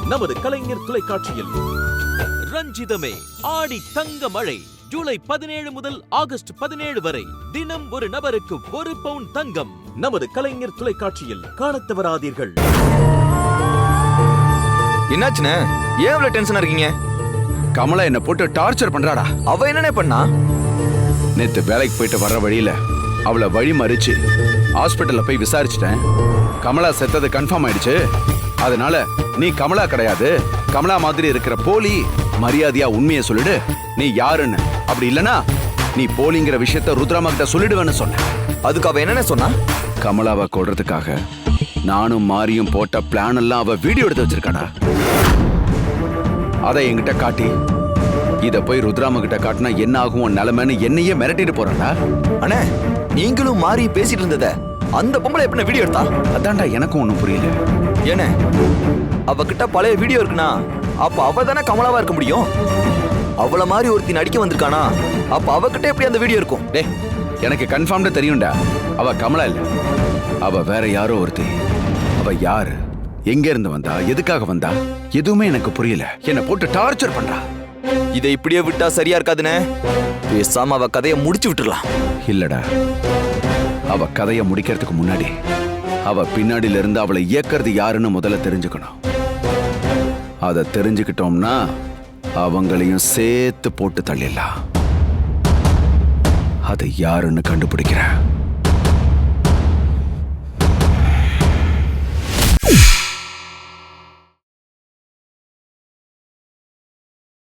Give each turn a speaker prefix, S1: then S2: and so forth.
S1: நமது கலைஞர் தொலைக்காட்சியில். ரஞ்சிதமே ஆடி தங்க மழை ஜூலை 17 முதல் ஆகஸ்ட் 17 வரை தினம் ஒரு நபருக்கு 1 பவுன் தங்கம். நமது கலைஞர் தொலைக்காட்சியில் காணத் தவறாதீர்கள்.
S2: என்னாச்சுண்ணே? ஏன் இவ்வளவு டென்ஷனா இருக்கீங்க?
S3: கமலா என்ன போட்டு டார்ச்சர் பண்றாடா.
S2: அவ என்னனே பண்ணா?
S3: நேத்து வேலைக்கு போயிட்டு வர்ற வழியில அவளை வழி மறிச்சு ஹாஸ்பிட்டல்ல போய் விசாரிச்சிட்டேன். கமலா செத்தது கன்ஃபார்ம் ஆயிடுச்சு. அதனால நீ கமலா கிடையாது, கமலா மாதிரி இருக்கிற போலி. மரியாதையா உண்மையை சொல்லிடு, நீ யாருன்னு. அப்படி இல்லனா நீ போலிங்கிற விஷயத்த ருத்ராமா கிட்ட சொல்லிடுவேன்னு சொன்ன.
S2: அதுக்கு அவ என்னன்னு சொன்னா?
S3: கமலாவை கொல்றதுக்காக நானும் மாரியும் போட்ட பிளான் எல்லாம் அவ வீடியோ எடுத்து வச்சிருக்காடா. அதை என்கிட்ட காட்டி இத போய் ருத்ராமா கிட்ட காட்டினா என்ன ஆகும் நிலைமைன்னு என்னையே மிரட்டிட்டு போறாடா.
S2: அண்ணே, நீங்களும் மாறி பேசிட்டு இருந்தத அந்த பொம்பளை எப்படி வீடியோ எடுத்தா?
S3: அதான்டா எனக்கும் ஒண்ணும் புரியல.
S2: ஏனே, அவகிட்ட பழைய வீடியோ இருக்குனா அப்ப அவ தானே கமலாவா இருக்க முடியும். அவள மாதிரி ஒருத்தி நடிக்க வந்திருக்கானா, அப்ப அவகிட்ட எப்படி அந்த வீடியோ இருக்கும்?
S3: டே, எனக்கு கன்ஃபார்ம்டா தெரியும்டா, அவ கமலா இல்ல, அவ வேற யாரோ ஒருத்தி. அவ யாரு, எங்க இருந்து வந்தா, எதுக்காக வந்தா, எதுவுமே எனக்கு புரியல. என்ன போட்டு டார்ச்சர் பண்றா.
S2: இதை இப்படியே விட்டா சரியா இருக்காதுனே. பேசாம அவ கதையை முடிச்சு விட்டுறலாம்.
S3: இல்லடா, அவ கதையை முடிக்கிறதுக்கு முன்னாடி அவ பின்னாடில இருந்து அவளை இயக்கிறது யாருன்னு முதல்ல தெரிஞ்சுக்கணும். அதை தெரிஞ்சுக்கிட்டோம்னா அவங்களையும் சேர்த்து போட்டு தள்ளிடலாம். அது யாருன்னு கண்டுபிடிக்கிறேன்.